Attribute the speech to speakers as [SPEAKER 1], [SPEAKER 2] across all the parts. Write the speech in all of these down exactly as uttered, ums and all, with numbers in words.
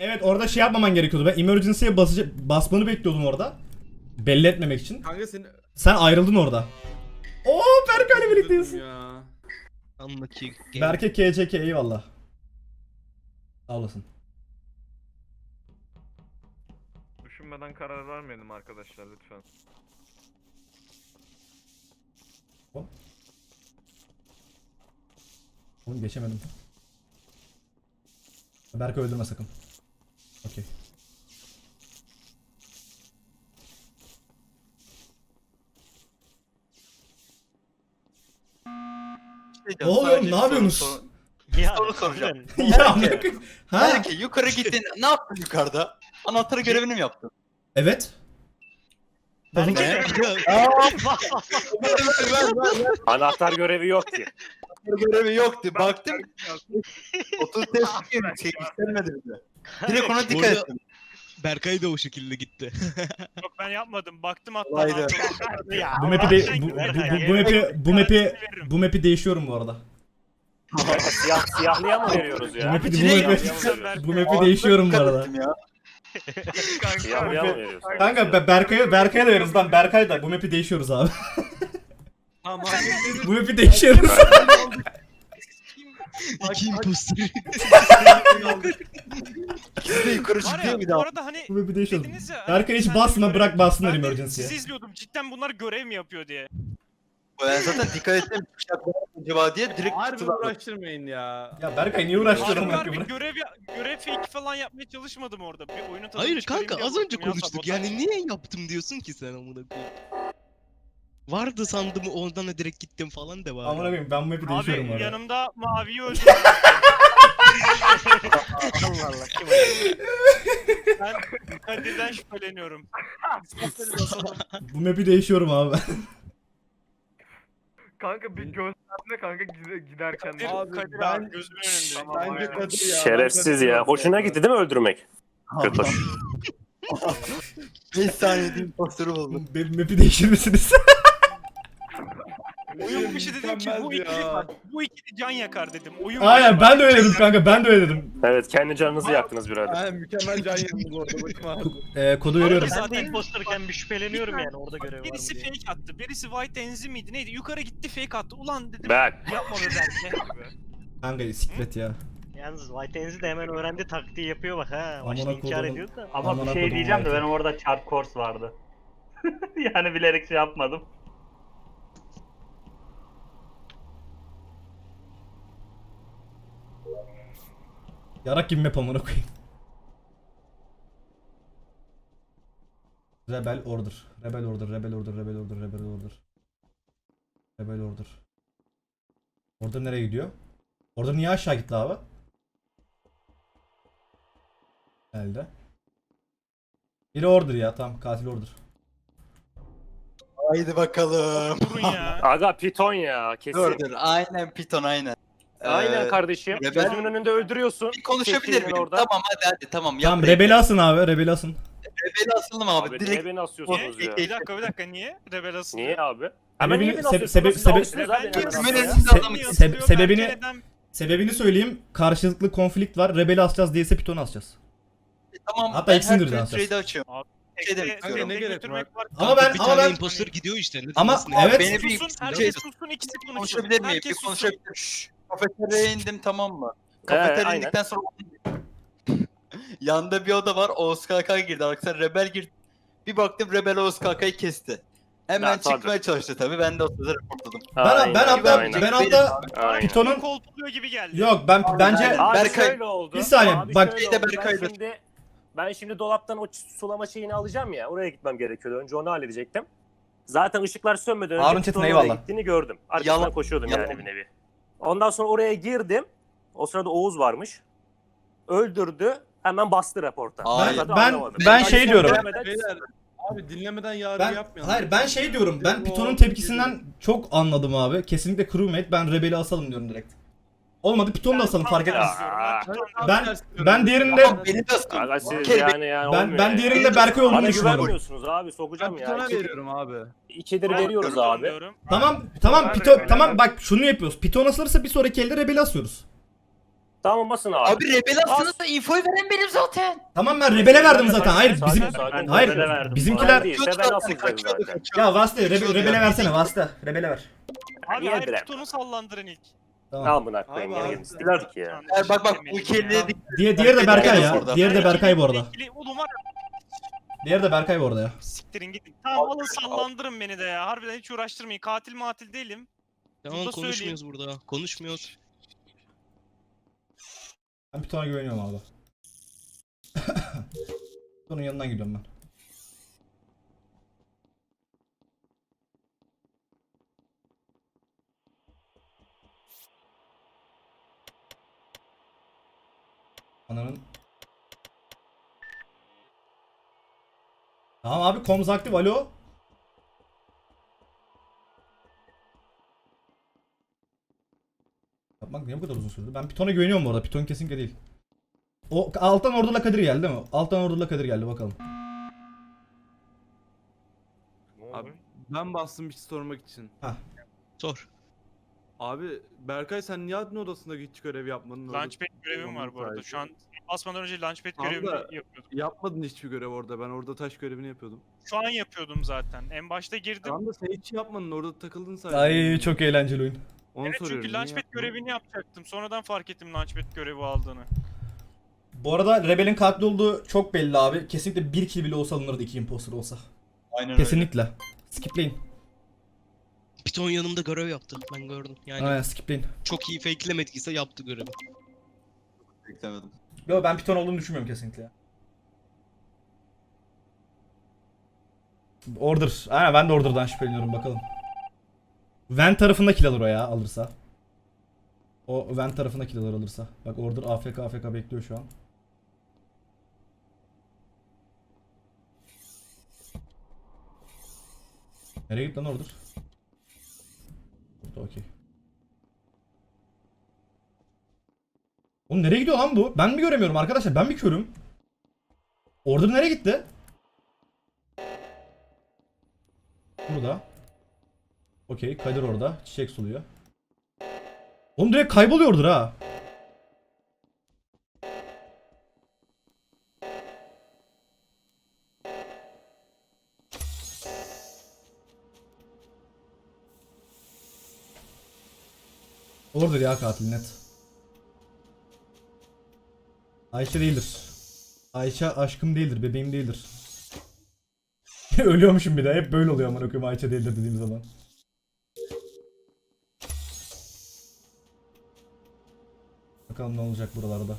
[SPEAKER 1] Evet orada şey yapmaman gerekiyordu. Ben emergency'ye basıcı, basmanı bekliyordum orada. Belli etmemek için.
[SPEAKER 2] Kanka seni...
[SPEAKER 1] Sen ayrıldın orada. Oo Berkay'la birlikteyiz.
[SPEAKER 2] Ya.
[SPEAKER 3] Unlucky game.
[SPEAKER 1] Berke K C K eyvallah. Sağ olasın.
[SPEAKER 4] Düşünmeden karar vermeyelim arkadaşlar lütfen.
[SPEAKER 1] Oğlum geçemedim. Berke öldürme sakın. Okey. Ne oluyor? Ne yapıyorsunuz?
[SPEAKER 5] Ya
[SPEAKER 6] Soru soracağım.
[SPEAKER 1] Ya Berke. Ha?
[SPEAKER 6] Belki yukarı gittin. Ne yaptın yukarıda? Anahtarı görevini mi yaptın?
[SPEAKER 1] Evet.
[SPEAKER 5] Berke.
[SPEAKER 7] Anahtar görevi yok ki.
[SPEAKER 6] Anahtar görevi yoktu. Baktım. otuz test şey istenmedi bize. Direkt ona dikkat
[SPEAKER 3] Burada-
[SPEAKER 6] ettim.
[SPEAKER 3] Berkay da o şekilde gitti.
[SPEAKER 5] Yok ben yapmadım. Baktım hatta.
[SPEAKER 6] Olaydı.
[SPEAKER 5] Ya,
[SPEAKER 1] Bu map'i de bu, bu, bu, bu map'i bu map'i bu map'i değişiyorum bu arada.
[SPEAKER 7] Siyah, siyahlıya mı veriyoruz
[SPEAKER 1] Bu
[SPEAKER 7] ya?
[SPEAKER 1] map'i bu
[SPEAKER 6] Direkt
[SPEAKER 1] map'i
[SPEAKER 7] Siyahlıya mı
[SPEAKER 1] bu map'i değişiyorum bu
[SPEAKER 6] Dikkat
[SPEAKER 1] arada.
[SPEAKER 6] ettim ya.
[SPEAKER 7] Siyahlıya mı veriyoruz?
[SPEAKER 1] Kanka Be- Berkay'a Berkay'a da veririz lan Berkay da bu map'i değişiyoruz abi.
[SPEAKER 2] Ama
[SPEAKER 1] Bu map'i değişiyoruz.
[SPEAKER 3] İki imposter.
[SPEAKER 6] İkisi de yukarı
[SPEAKER 5] Var
[SPEAKER 6] çıktı
[SPEAKER 5] ya
[SPEAKER 6] ya bir
[SPEAKER 5] bu
[SPEAKER 6] daha.
[SPEAKER 5] arada hani
[SPEAKER 1] Bu map'i değişiyoruz.
[SPEAKER 5] dediniz ya.
[SPEAKER 1] Berkay hiç
[SPEAKER 5] sen de
[SPEAKER 1] basma
[SPEAKER 5] görev-
[SPEAKER 1] bırak bassınlar
[SPEAKER 5] Ben de
[SPEAKER 1] emergency'ye.
[SPEAKER 5] sizi izliyordum. Cidden bunlar görev mi yapıyor diye.
[SPEAKER 6] Ben zaten dikkat ettim. Bıçaklar acaba diye direkt
[SPEAKER 2] harbi
[SPEAKER 6] tutular.
[SPEAKER 2] uğraştırmayın ya.
[SPEAKER 1] Ya Berkay niye uğraştırıyorsun
[SPEAKER 5] Harbi
[SPEAKER 1] bak
[SPEAKER 5] harbi
[SPEAKER 1] bırak.
[SPEAKER 5] görev ya- görev fake falan yapmaya çalışmadım orada. Bir oyunun tadını
[SPEAKER 3] Hayır
[SPEAKER 5] çıkarayım
[SPEAKER 3] kanka
[SPEAKER 5] diye
[SPEAKER 3] az önce
[SPEAKER 5] baktım ya,
[SPEAKER 3] konuştuk.
[SPEAKER 5] sabotaj.
[SPEAKER 3] Yani niye yaptım diyorsun ki sen amına koyayım? Vardı sandım ondan da direkt gittim falan de var.
[SPEAKER 1] Amına koyayım ben bu map'i değişiyorum bu
[SPEAKER 5] Abi
[SPEAKER 1] arada.
[SPEAKER 5] yanımda maviyi öldürdüm.
[SPEAKER 7] Allah Allah kim oynuyor?
[SPEAKER 5] Ben Kadir'den şüpheleniyorum.
[SPEAKER 1] Bu map'i değişiyorum abi.
[SPEAKER 4] Kanka bir gösterme kanka gide- giderken.
[SPEAKER 5] Kadir,
[SPEAKER 2] Abi,
[SPEAKER 5] Kadir
[SPEAKER 2] ben-
[SPEAKER 5] abi gözümün önünde.
[SPEAKER 4] Tamam,
[SPEAKER 2] Bence
[SPEAKER 4] aynen.
[SPEAKER 2] Kadir ya.
[SPEAKER 7] Şerefsiz
[SPEAKER 2] ben
[SPEAKER 7] ya.
[SPEAKER 2] Kadir
[SPEAKER 7] Hoşuna gitti değil mi öldürmek? Kötü.
[SPEAKER 6] beş saniyede impostörü buldum.
[SPEAKER 1] Benim map'i değişir misiniz?
[SPEAKER 5] Oyun başı dedim ki bu
[SPEAKER 2] Mükemmel
[SPEAKER 5] ikili
[SPEAKER 2] ya.
[SPEAKER 5] bak, bu ikili can yakar dedim. Oyun
[SPEAKER 1] Aynen
[SPEAKER 5] başı
[SPEAKER 1] ben de öyle dedim kanka ben de öyle dedim.
[SPEAKER 7] Evet kendi canınızı yaktınız birader.
[SPEAKER 2] Ha, mükemmel can yandı bu arada. Başım ağrıdı.
[SPEAKER 1] Ee, kodu veriyorum.
[SPEAKER 5] Zaten-
[SPEAKER 8] Ben de imposterken bir şüpheleniyorum
[SPEAKER 5] Bir
[SPEAKER 8] yani orada görev var mı
[SPEAKER 5] Birisi
[SPEAKER 8] diye.
[SPEAKER 5] fake attı. Birisi white enzi miydi neydi? Yukarı gitti fake attı. Ulan dedim
[SPEAKER 7] Bak.
[SPEAKER 5] yapma be belki.
[SPEAKER 1] Kanka siklet ya.
[SPEAKER 8] Yalnız White Enzi de hemen öğrendi taktiği yapıyor bak ha. Başta
[SPEAKER 1] Amına
[SPEAKER 8] inkar
[SPEAKER 1] kodumun-
[SPEAKER 8] ediyor da.
[SPEAKER 9] Ama
[SPEAKER 1] Amına
[SPEAKER 9] bir şey
[SPEAKER 1] kodum
[SPEAKER 9] diyeceğim de
[SPEAKER 1] White.
[SPEAKER 9] ben orada çarp course vardı. Yani bilerek şey yapmadım.
[SPEAKER 1] Yarak gibi map amına koyayım. Rebel order. Rebel order. Rebel order. Rebel order. Rebel order. Rebel order. Order nereye gidiyor? Order niye aşağı gitti abi? Elde. Biri order ya tamam katil order.
[SPEAKER 6] Haydi bakalım.
[SPEAKER 5] Durun ya.
[SPEAKER 7] Aga piton ya kesin.
[SPEAKER 6] Dur dur. Aynen Python aynen.
[SPEAKER 7] Aynen
[SPEAKER 6] Ee,
[SPEAKER 7] kardeşim.
[SPEAKER 6] Rebel-
[SPEAKER 7] Gözümün önünde öldürüyorsun.
[SPEAKER 6] Bir konuşabilir
[SPEAKER 7] Çektiğinin
[SPEAKER 6] miyim?
[SPEAKER 7] orada.
[SPEAKER 6] Tamam hadi hadi tamam. Yap
[SPEAKER 1] Tamam
[SPEAKER 6] direkt.
[SPEAKER 1] rebeli asın abi rebeli asın.
[SPEAKER 6] Rebeli asıldım abi.
[SPEAKER 7] Abi,
[SPEAKER 6] direkt
[SPEAKER 7] niye beni asıyorsunuz
[SPEAKER 5] Niye?
[SPEAKER 7] ya?
[SPEAKER 5] Bir dakika bir dakika niye? Rebel asılıyor.
[SPEAKER 7] Niye abi? Hemen
[SPEAKER 1] Sebebini-
[SPEAKER 7] niye beni
[SPEAKER 1] sebe-
[SPEAKER 7] asıyorsunuz?
[SPEAKER 1] sebe-
[SPEAKER 7] Siz
[SPEAKER 1] sebe-
[SPEAKER 7] almışsınız abi
[SPEAKER 5] Rebel
[SPEAKER 7] beni
[SPEAKER 5] niye
[SPEAKER 6] Hemen
[SPEAKER 7] asmaya.
[SPEAKER 6] siz
[SPEAKER 1] Se-
[SPEAKER 6] adamı-
[SPEAKER 5] Niye
[SPEAKER 1] se-
[SPEAKER 5] asılıyor?
[SPEAKER 1] sebebini-
[SPEAKER 5] Belki neden-
[SPEAKER 1] Sebebini söyleyeyim. Karşılıklı konflikt var. Rebeli asacağız değilse pitonu asacağız.
[SPEAKER 6] Tamam.
[SPEAKER 1] Hatta
[SPEAKER 6] ben
[SPEAKER 1] ikisini
[SPEAKER 6] her
[SPEAKER 1] birden
[SPEAKER 6] türlü
[SPEAKER 1] atacağız.
[SPEAKER 6] trade'i açıyorum. şey demek
[SPEAKER 5] Tekte-
[SPEAKER 6] istiyorum.
[SPEAKER 5] tekte
[SPEAKER 2] Ne gerek
[SPEAKER 5] götürmek var.
[SPEAKER 1] Ama ben-
[SPEAKER 3] bir
[SPEAKER 1] ama
[SPEAKER 3] tane
[SPEAKER 1] ben-
[SPEAKER 3] imposter gidiyor işte. Ne
[SPEAKER 1] Ama
[SPEAKER 3] demezsin
[SPEAKER 1] evet.
[SPEAKER 6] Beni bir
[SPEAKER 5] Susun,
[SPEAKER 6] şey
[SPEAKER 5] herkes sussun, ikisi konuşsun.
[SPEAKER 6] konuşabilir miyim? Bir
[SPEAKER 5] Herkes sussun.
[SPEAKER 6] konuşabilir miyim? Şşş. Kafeteryaya indim tamam mı?
[SPEAKER 7] Ee,
[SPEAKER 6] Kafeteryaya
[SPEAKER 7] aynen.
[SPEAKER 6] indikten sonra yanda bir oda var. Oğuz K K girdi. Arkadaşlar Rebel girdi. Bir baktım Rebel Oğuz K K'yı kesti. Hemen
[SPEAKER 7] Ya, tabii.
[SPEAKER 6] çıkmaya çalıştı tabii. Ben de o sırada reportladım.
[SPEAKER 1] Ben,
[SPEAKER 7] Aynen,
[SPEAKER 1] ben hatta
[SPEAKER 7] aynen.
[SPEAKER 1] ben hatta
[SPEAKER 7] Aynen.
[SPEAKER 1] Piton'un
[SPEAKER 5] Kolpuluyor gibi geldi.
[SPEAKER 1] yok ben bence
[SPEAKER 6] aynen.
[SPEAKER 7] Abi
[SPEAKER 6] Berkay-
[SPEAKER 7] şöyle oldu.
[SPEAKER 1] Bir saniye,
[SPEAKER 7] Abi
[SPEAKER 1] bak-
[SPEAKER 7] şöyle
[SPEAKER 6] Bir de
[SPEAKER 7] oldu.
[SPEAKER 6] Berkay'dır.
[SPEAKER 7] Ben şimdi, ben şimdi dolaptan o sulama şeyini alacağım ya. Oraya gitmem gerekiyordu. Önce onu halledecektim. Zaten ışıklar sönmeden önce
[SPEAKER 1] Harun Çetin,
[SPEAKER 7] Piton'un oraya
[SPEAKER 1] eyvallah.
[SPEAKER 7] gittiğini gördüm. Arkasından
[SPEAKER 6] Yalan-
[SPEAKER 7] koşuyordum
[SPEAKER 6] yalan.
[SPEAKER 7] yani bir nevi. Ondan sonra oraya girdim. O sırada Oğuz varmış. Öldürdü. Hemen bastı raporta.
[SPEAKER 6] Hayır.
[SPEAKER 7] zaten
[SPEAKER 1] Ben-
[SPEAKER 7] anlamadım.
[SPEAKER 1] ben
[SPEAKER 7] Yani
[SPEAKER 1] şey
[SPEAKER 7] son
[SPEAKER 1] diyorum.
[SPEAKER 7] görmeden-
[SPEAKER 2] Beyler abi dinlemeden yargı
[SPEAKER 1] ben
[SPEAKER 2] yapmayalım.
[SPEAKER 1] hayır ben şey diyorum. Ben
[SPEAKER 2] O-
[SPEAKER 1] Piton'un tepkisinden çok anladım abi. Kesinlikle crewmate. Ben Rebel'i asalım diyorum direkt. Olmadı Piton'u da asalım fark etmez. Ben ben diğerinde
[SPEAKER 6] Ama beni de asın.
[SPEAKER 7] Aga siz
[SPEAKER 6] Bir kere
[SPEAKER 7] yani yani
[SPEAKER 1] ben
[SPEAKER 7] olmuyor
[SPEAKER 1] ben
[SPEAKER 7] yani.
[SPEAKER 1] diğerinde Berkay olduğunu
[SPEAKER 7] Bana
[SPEAKER 1] düşünüyorum.
[SPEAKER 7] güvenmiyorsunuz abi sokacağım
[SPEAKER 2] Ben
[SPEAKER 7] ya.
[SPEAKER 2] Python'a
[SPEAKER 7] İki-
[SPEAKER 2] veriyorum abi.
[SPEAKER 7] İkidir veriyoruz abi.
[SPEAKER 1] Tamam tamam
[SPEAKER 4] Ben
[SPEAKER 1] Piton
[SPEAKER 4] Rebel'e-
[SPEAKER 1] tamam bak şunu yapıyoruz. Piton asılırsa bir sonraki elde Rebel'i asıyoruz.
[SPEAKER 7] Tamam basın abi.
[SPEAKER 6] Abi rebel aslında infoyu veren benim zaten.
[SPEAKER 1] Tamam ben rebele verdim zaten. Hayır
[SPEAKER 7] Sakin,
[SPEAKER 1] bizim
[SPEAKER 7] sakin.
[SPEAKER 1] hayır
[SPEAKER 9] rebele verdim.
[SPEAKER 1] bizimkiler
[SPEAKER 7] Ben değilse ben asılacağım zaten.
[SPEAKER 1] ya Vasta rebe, rebele versene Vasta. Rebele ver.
[SPEAKER 5] Abi
[SPEAKER 7] Niye
[SPEAKER 5] hayır
[SPEAKER 7] direkt?
[SPEAKER 5] pitonu sallandırın ilk.
[SPEAKER 1] Tamam.
[SPEAKER 7] Al bunu koyayım.
[SPEAKER 2] Abi,
[SPEAKER 7] Yeni
[SPEAKER 2] abi.
[SPEAKER 7] yeni istiyorlar ki ya.
[SPEAKER 5] Tamam,
[SPEAKER 6] Bak bak
[SPEAKER 5] teşekkür
[SPEAKER 6] bu
[SPEAKER 5] ederim.
[SPEAKER 6] iki elde
[SPEAKER 1] Diye, diğeri de Berkay ya.
[SPEAKER 6] Orada.
[SPEAKER 1] Diğeri de Berkay bu arada.
[SPEAKER 5] İkili- Oğlum var ya,
[SPEAKER 1] Diğeri de Berkay bu arada ya.
[SPEAKER 5] siktirin gidin. Tamam alın sallandırın beni de ya. Harbiden hiç uğraştırmayın. Katil matil değilim.
[SPEAKER 3] Tamam
[SPEAKER 5] Burada
[SPEAKER 3] konuşmuyoruz burada. Konuşmuyoruz.
[SPEAKER 1] Ben Python'a güveniyorum abi. Python'un yanından gidiyorum ben. Ananın. Tamam abi komz aktif alo. Yapmak niye bu kadar uzun sürdü? Ben Python'a güveniyorum bu arada. Python kesinlikle değil. O alttan orduyla Kadir geldi değil mi? Alttan orduyla Kadir geldi bakalım.
[SPEAKER 2] Abi ben bastım bir şey sormak için.
[SPEAKER 3] Sor.
[SPEAKER 2] Abi Berkay sen niye admin odasında hiç görev yapmadın? orada?
[SPEAKER 5] Launchpad görevim var bu arada. Şu an basmadan önce Launchpad
[SPEAKER 2] Tamam
[SPEAKER 5] görevimi
[SPEAKER 2] da-
[SPEAKER 5] yapıyordum.
[SPEAKER 2] Yapmadın hiçbir görev orada. Ben orada taş görevini yapıyordum.
[SPEAKER 5] Şu an yapıyordum zaten. En başta girdim.
[SPEAKER 2] Tamam da sen hiç yapmadın. Orada takıldın sadece.
[SPEAKER 1] Ay çok eğlenceli oyun.
[SPEAKER 2] Onu
[SPEAKER 5] Evet
[SPEAKER 2] soruyorum.
[SPEAKER 5] çünkü
[SPEAKER 2] niye
[SPEAKER 5] Launchpad
[SPEAKER 2] yapmadın?
[SPEAKER 5] görevini yapacaktım. Sonradan fark ettim Launchpad görevi aldığını.
[SPEAKER 1] Bu arada Rebel'in katli olduğu çok belli abi. Kesinlikle bir kill bile olsa alınırdı iki imposter olsa.
[SPEAKER 6] Aynen
[SPEAKER 1] Kesinlikle. Skipleyin.
[SPEAKER 3] Piton yanımda görev yaptı. Ben gördüm. Yani
[SPEAKER 1] Aynen skipleyin.
[SPEAKER 3] çok iyi fakelemediyse yaptı görevi.
[SPEAKER 6] Beklemedim.
[SPEAKER 1] Yo ben Python olduğunu düşünmüyorum kesinlikle. Order. Aynen ben de Order'dan şüpheleniyorum bakalım. Vent tarafında kill alır o ya alırsa. O Vent tarafında kill alır alırsa. Bak Order A F K A F K bekliyor şu an. Nereye gitti lan Order? Burada okey. Oğlum nereye gidiyor lan bu? Ben mi göremiyorum arkadaşlar? Ben mi körüm? Order nereye gitti? Burada. Okey, Kadir orada. Çiçek suluyor. Oğlum direkt kayboluyordur ha. Order ya katil net. Ayşe değildir. Ayşe aşkım değildir, bebeğim değildir. Ölüyormuşum bir de. Hep böyle oluyor amına koyayım Ayşe değildir dediğim zaman. Bakalım ne olacak buralarda.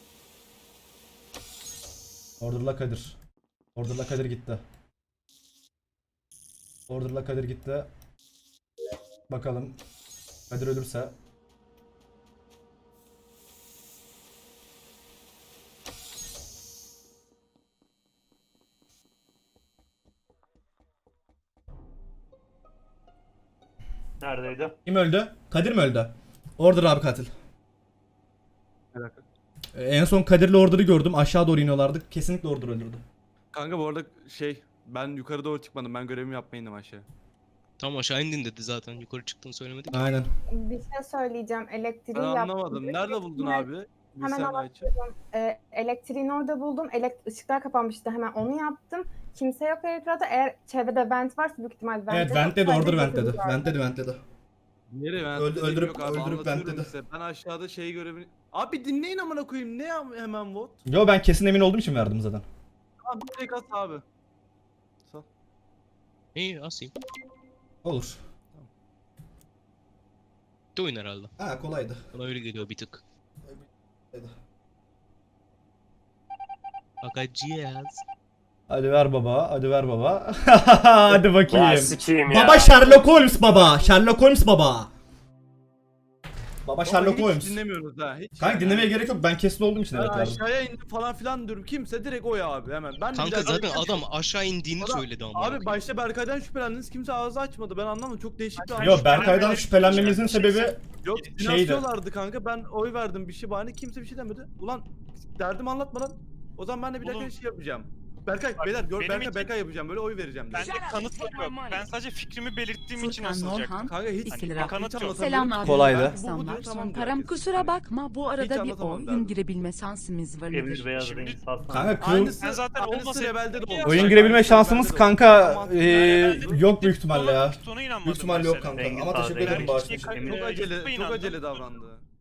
[SPEAKER 1] Order'la Kadir. Order'la Kadir gitti. Order'la Kadir gitti. Bakalım Kadir ölürse.
[SPEAKER 9] Neredeydi?
[SPEAKER 1] Kim öldü? Kadir mi öldü? Order abi katil.
[SPEAKER 2] Bir dakika.
[SPEAKER 1] Ee, En son Kadir'le Order'ı gördüm. Aşağı doğru iniyorlardı. Kesinlikle Order öldürdü.
[SPEAKER 2] Kanka bu arada şey ben yukarı doğru çıkmadım. Ben görevimi yapmaya indim aşağı.
[SPEAKER 3] Tamam aşağı indin dedi zaten. Yukarı çıktığını söylemedi ki.
[SPEAKER 1] Aynen.
[SPEAKER 10] Bir şey söyleyeceğim. Elektriği
[SPEAKER 2] Ben
[SPEAKER 10] yaptım.
[SPEAKER 2] anlamadım. Nerede buldun
[SPEAKER 10] Hemen-
[SPEAKER 2] abi? Bir
[SPEAKER 10] Hemen
[SPEAKER 2] sen Ayça.
[SPEAKER 10] anlatıyorum. Ee, elektriğini orada buldum. Elek ışıklar kapanmıştı. Hemen onu yaptım. Kimse yok elektrikte. Eğer çevrede vent varsa büyük ihtimal vent.
[SPEAKER 1] Evet vent dedi, Order vent dedi. Vent dedi, vent dedi.
[SPEAKER 2] Nereye ben?
[SPEAKER 1] Öldü-
[SPEAKER 2] dediğim
[SPEAKER 1] öldürüp-
[SPEAKER 2] yok abi,
[SPEAKER 1] öldürüp
[SPEAKER 2] anlatıyorum
[SPEAKER 1] ventledi.
[SPEAKER 2] size. Ben aşağıda şey görevini... Abi dinleyin amına koyayım. Ne ya- hemen vote?
[SPEAKER 1] Yo ben kesin emin olduğum için verdim zaten.
[SPEAKER 2] Abi direkt at abi. Sağ.
[SPEAKER 3] İyi asayım.
[SPEAKER 1] Olur.
[SPEAKER 3] Bitti oyun herhalde.
[SPEAKER 1] Ha kolaydı.
[SPEAKER 3] Bana öyle geliyor bir tık. Bakacağız.
[SPEAKER 1] Hadi ver baba, hadi ver baba. Hadi
[SPEAKER 7] Ya
[SPEAKER 1] bakayım.
[SPEAKER 7] sikeyim ya.
[SPEAKER 1] Baba Sherlock Holmes baba. Sherlock Holmes baba. Baba
[SPEAKER 2] Ama
[SPEAKER 1] Sherlock
[SPEAKER 2] hiç
[SPEAKER 1] Holmes.
[SPEAKER 2] dinlemiyoruz ha. Hiç
[SPEAKER 1] Kanka
[SPEAKER 2] yani.
[SPEAKER 1] dinlemeye gerek yok. Ben kesin olduğum için
[SPEAKER 2] Ben
[SPEAKER 1] evet verdim.
[SPEAKER 2] aşağıya indim falan filan diyorum. Kimse direkt o ya abi hemen. Ben de
[SPEAKER 3] Kanka
[SPEAKER 2] biraz-
[SPEAKER 3] zaten adam aşağı indiğini
[SPEAKER 2] Adam-
[SPEAKER 3] söyledi ama.
[SPEAKER 2] Abi başta Berkay'dan şüphelendiniz. Kimse ağzı açmadı. Ben anlamadım. Çok değişik bir an.
[SPEAKER 1] Yo Berkay'dan şüphelenmemizin sebebi
[SPEAKER 2] Yok
[SPEAKER 1] şeydi.
[SPEAKER 2] dinasyolardı kanka. Ben oy verdim bir şey bahane. Kimse bir şey demedi. Ulan derdim anlatmadan. O zaman ben de bir dakika
[SPEAKER 5] Oğlum.
[SPEAKER 2] şey yapacağım. Berkay beyler gör
[SPEAKER 5] Benim
[SPEAKER 2] Berkay
[SPEAKER 5] için-
[SPEAKER 2] Berkay yapacağım böyle oy vereceğim.
[SPEAKER 5] Ben
[SPEAKER 2] direkt.
[SPEAKER 5] de kanıtım yok. Ben sadece fikrimi belirttiğim için asılacaktım.
[SPEAKER 2] Kanka hiç
[SPEAKER 5] Hani
[SPEAKER 2] hiç
[SPEAKER 5] bir kanıt yok.
[SPEAKER 2] anlatamıyorum.
[SPEAKER 11] Selamlar.
[SPEAKER 1] Kolaydı.
[SPEAKER 2] Ben bu- bu
[SPEAKER 11] İnsanlar.
[SPEAKER 2] diyor, tamam diyor
[SPEAKER 11] Param
[SPEAKER 2] herkes.
[SPEAKER 11] kusura
[SPEAKER 2] Hani
[SPEAKER 11] bakma bu arada bir
[SPEAKER 2] anlatamam
[SPEAKER 11] oyun
[SPEAKER 2] derdim.
[SPEAKER 11] girebilme şansımız var.
[SPEAKER 9] Emir Beyaz
[SPEAKER 5] Şimdi-
[SPEAKER 9] Reis Hasan.
[SPEAKER 1] Kanka kıl,
[SPEAKER 2] Aynısı,
[SPEAKER 5] Ben zaten
[SPEAKER 2] aynısı
[SPEAKER 5] olmasaydı-
[SPEAKER 2] Rebel'de de oldu.
[SPEAKER 1] oyun girebilme şansımız kanka
[SPEAKER 2] Tamam.
[SPEAKER 1] eee, yok büyük ihtimalle ya.
[SPEAKER 5] Ona inanmadım
[SPEAKER 1] Büyük ihtimalle yok
[SPEAKER 5] mesela.
[SPEAKER 1] kanka
[SPEAKER 9] Engin
[SPEAKER 1] ama
[SPEAKER 9] Sağ
[SPEAKER 1] teşekkür
[SPEAKER 9] değil.
[SPEAKER 1] ederim bağışın
[SPEAKER 5] Erkek-
[SPEAKER 1] için.
[SPEAKER 9] Emir-
[SPEAKER 2] Çok acele, çok
[SPEAKER 5] inandım.
[SPEAKER 2] acele davrandı.